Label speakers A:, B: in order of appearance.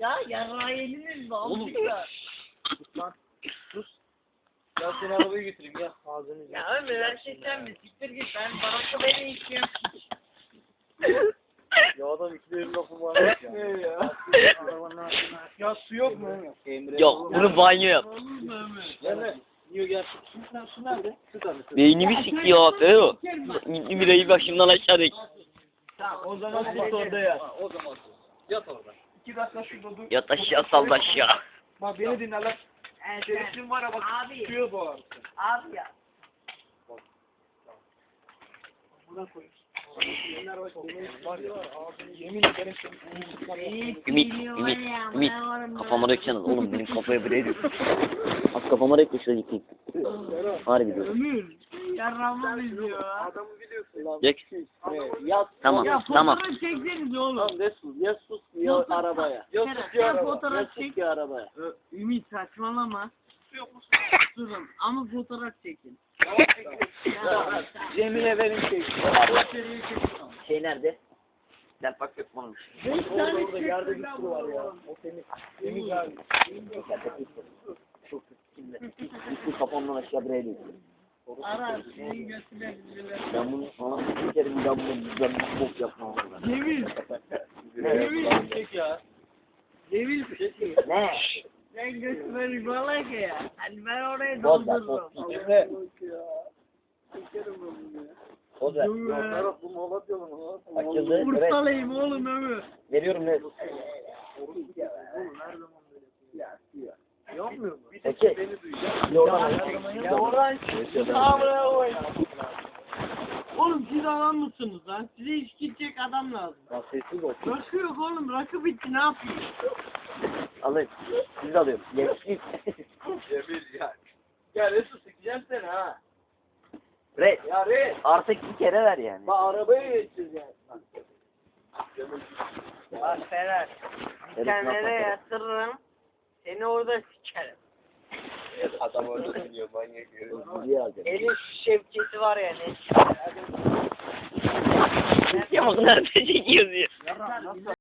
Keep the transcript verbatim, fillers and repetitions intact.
A: Ya yarrağı yeniniz mi?
B: Oğlum.
A: Sus lan.
B: Sus. Gel seni arabayı götüreyim gel. Ağzını
A: Ya Ömer her şey sen mi? Siktir git ben barakta beni istiyorum.
B: Ya adam iki derin lafı var ya. Ne ya? Ya su yok mu? Emre.
C: Yok bunu banyo yap.
B: Emre. Niye gel? Su, su nerede? Su tabii.
C: Beynimi sikiyor abi o. Gitti birayı başımdan aşağı dek.
B: Tamam o zaman sus orada ya. O zaman sus. Yat orada. İki dakika şurada dur.
C: Yat aşağı sal aşağı.
B: Bak beni dinle lan. Şerefsin var ya bak.
A: Abi.
B: Suya boğar.
A: Abi ya.
B: Buna koy. Var ya yemin ederim
C: Ümit, Ümit, Ümit. Kafama döksene oğlum benim kafaya bile ediyor. Az kafama dök de şöyle yıkayım. Harbi diyorum.
A: Ömür. Yarrağımı izliyor.
B: adamı biliyorsun lan.
C: Dök.
B: Yat.
C: Tamam,
A: Ya
C: tamam.
A: fotoğraf çekseniz oğlum.
B: Tamam ne sus ya sus ya
A: Fotoğraf-
B: arabaya. Ya
A: Kerem,
B: sus ya
A: sen
B: arabaya.
A: fotoğraf
B: Ya
A: çek.
B: sus ya arabaya.
A: Ö, Ümit saçmalama. Durun ama fotoğraf çekin.
B: Ya, Cemile verin şey.
C: Şey nerede? Sen bak yok bunun.
B: Orada orada yerde bir su var ya. O temiz. Temiz abi.
C: Çok kimde? Gitti kafamdan aşağı biraya dök.
A: Ara senin götüne biziler.
C: Ben bunu sana bir kere bir daha bunu ben bu bok yapmam.
A: Cemil.
B: Cemil çek ya.
A: Cemil.
C: Ne?
A: Sen götüne ribalak ya. Hani ben oraya
C: Boz ver,
A: doldururum.
C: boz.
B: Emre.
C: Boz ver.
A: Dur be.
B: Serap bu Malatya mı?
C: Açıldı. Evet.
A: Bursalıyım oğlum Ömür.
C: Veriyorum ne?
B: Yapmıyor mu?
C: Peki.
B: Beni duyacak.
C: Bir oradan
A: Ya oradan sağına koy. Oğlum siz adam mısınız lan? Size iş gidecek adam lazım.
C: Ya sessiz ol.
A: Rakı yok oğlum. Rakı bitti ne yapayım?
C: Alayım. Siz de alıyorum. Geçtik.
B: Cemil ya. Ya Resul sikeceğim seni ha.
C: Red.
B: Ya Resul.
C: Artık bir kere ver yani.
B: Bak arabaya geçeceğiz yani.
A: Bak Ferhat. Dikenlere yatırırım. Seni orada sikerim.
B: Adam öyle diyor manyak herif.
C: Diye alacağım.
A: Elin şevketi var ya ne?
C: Ya bak nerede çekiyoruz ya.
B: Nasıl?